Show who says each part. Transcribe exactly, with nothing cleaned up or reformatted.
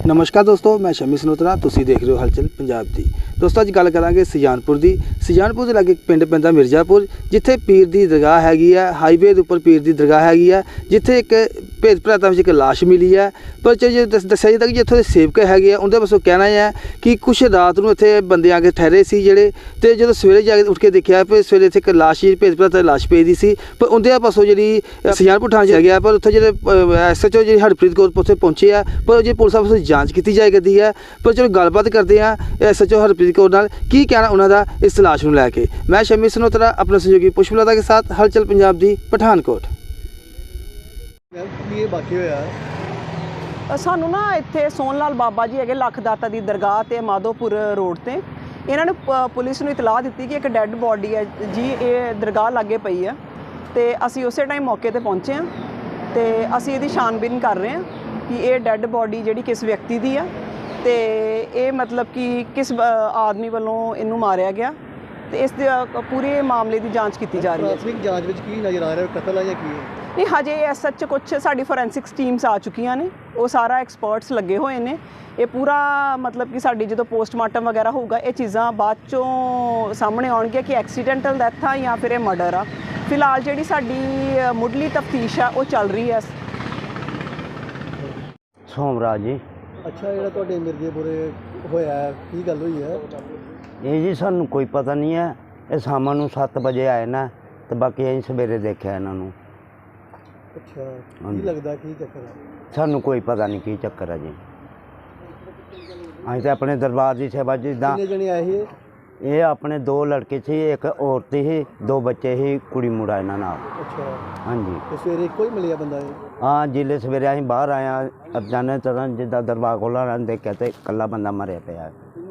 Speaker 1: नमस्कार दोस्तों, मैं शमी सनोत्रा, तुसीं देख रहे हो हलचल पंजाब दी। दोस्तों अज गल करांगे सुजानपुर दी। सुजानपुर दे लागे पिंड पैंदा मिर्जापुर, जिथे पीर दी दरगाह हैगी है। हाईवे दे उपर पीर दी दरगाह हैगी है, जिथे एक भेद भराता विच एक लाश मिली है। पर जो दस्सिया जाता कि जित्थों दे सेवक हैगे आ, उनके पासों कहना है कि कुछ रात नूं इत्थे बंदे आके ठहरे सी जेहड़े, ते जदों सवेरे जाके उठ के देखिया फिर सवेरे इत्थे एक लाश जी भेद भराता लाश पई दी सी। पर उनके पासों जी सुजानपुर थाने च गया, पर उत्थे जेहड़े S H O ji Harpreet Kaur उत्थे पहुंचे आ, पर जी पुलिस पासों जांच की जाए करती है। पर चलो गलबात करते हैं S H O Harpreet Kaur नाल, की कहना उन्होंने इस लाश को लैके। मैं शमी सनोत्रा अपने सहयोगी पुष्पलता के साथ हलचल पंजाब दी पठानकोट।
Speaker 2: सानू ना इत्थे सोन लाल बाबा जी है लख दाता की दरगाह ते माधोपुर रोड ते इन्होंने पुलिस नूं इतलाह दी कि एक डैड बॉडी है जी ये दरगाह लागे पई है। तो असी उस टाइम मौके पर पहुँचे हैं, तो असी इहदी छानबीन कर रहे हैं कि ये डैड बॉडी जिहड़ी किस व्यक्ति की है, तो ये मतलब कि किस आदमी वालों इनू मारिया गया। तो इस पूरे मामले की जांच की जा रही है।
Speaker 3: प्राथमिक जांच में की नज़र आ रहा है, कतल है या की है?
Speaker 2: नहीं, हजे एस सच कुछ साड़ी फोरेंसिक्स टीम्स आ चुकियां ने, वो सारा एक्सपर्ट्स लगे हुए ने। ये पूरा मतलब कि साड़ी जो पोस्टमार्टम वगैरह होगा, ये चीज़ां बाद चों सामने आउणगियां कि एक्सीडेंटल डैथ आ या फिर ये मर्डर आ। फिलहाल जिहड़ी साडी मुढ़ली तफ्तीश है वो चल रही है।
Speaker 4: सोमराज जी।
Speaker 3: अच्छा, ਜਿਹੜਾ ਤੁਹਾਡੇ ਮਿਰਜ਼ੇਪੁਰੇ ਹੋਇਆ ਕੀ ਗੱਲ ਹੋਈ ਹੈ?
Speaker 4: ਇਹ ਜੀ ਸਾਨੂੰ ਕੋਈ ਪਤਾ ਨਹੀਂ ਹੈ। ਇਹ ਸ਼ਾਮ ਨੂੰ ਸੱਤ ਵਜੇ ਆਏ ਨਾ, ਤੇ ਬਾਕੀ ਅਸੀਂ ਸਵੇਰੇ ਦੇਖਿਆ ਇਹਨਾਂ ਨੂੰ।
Speaker 3: ਅੱਛਾ, ਕੀ ਲੱਗਦਾ ਕੀ ਚੱਕਰ ਹੈ?
Speaker 4: ਸਾਨੂੰ ਕੋਈ ਪਤਾ ਨਹੀਂ ਕੀ ਚੱਕਰ ਹੈ ਜੀ। ਅਸੀਂ ਤਾਂ ਆਪਣੇ ਦਰਬਾਰ ਦੀ ਸੇਵਾ ਜਿੱਦਾਂ।
Speaker 3: ਕਿੰਨੇ ਜਣੇ ਆਏ ਸੀ?
Speaker 4: ਇਹ ਆਪਣੇ ਦੋ ਲੜਕੇ ਸੀ, ਇੱਕ ਔਰਤ ਸੀ, ਦੋ ਬੱਚੇ ਸੀ, ਕੁੜੀ ਮੁੰਡਾ ਇਹਨਾਂ ਨਾਲ।
Speaker 3: ਅੱਛਾ,
Speaker 4: ਹਾਂਜੀ।
Speaker 3: ਤੇ ਸਵੇਰੇ ਇੱਕੋ ਹੀ ਮਿਲਿਆ ਬੰਦਾ ਇਹ?
Speaker 4: ਹਾਂ, ਜਿਲੇ ਸਵੇਰੇ ਅਸੀਂ ਬਾਹਰ ਆਏ ਹਾਂ ਅਚਾਨਕ ਤਰ੍ਹਾਂ ਜਿੱਦਾਂ ਦਰਬਾਰ ਖੋਲ੍ਹਾ ਰਾਂ ਦੇਖਿਆ ਤੇ ਇਕੱਲਾ ਬੰਦਾ ਮਰਿਆ ਪਿਆ।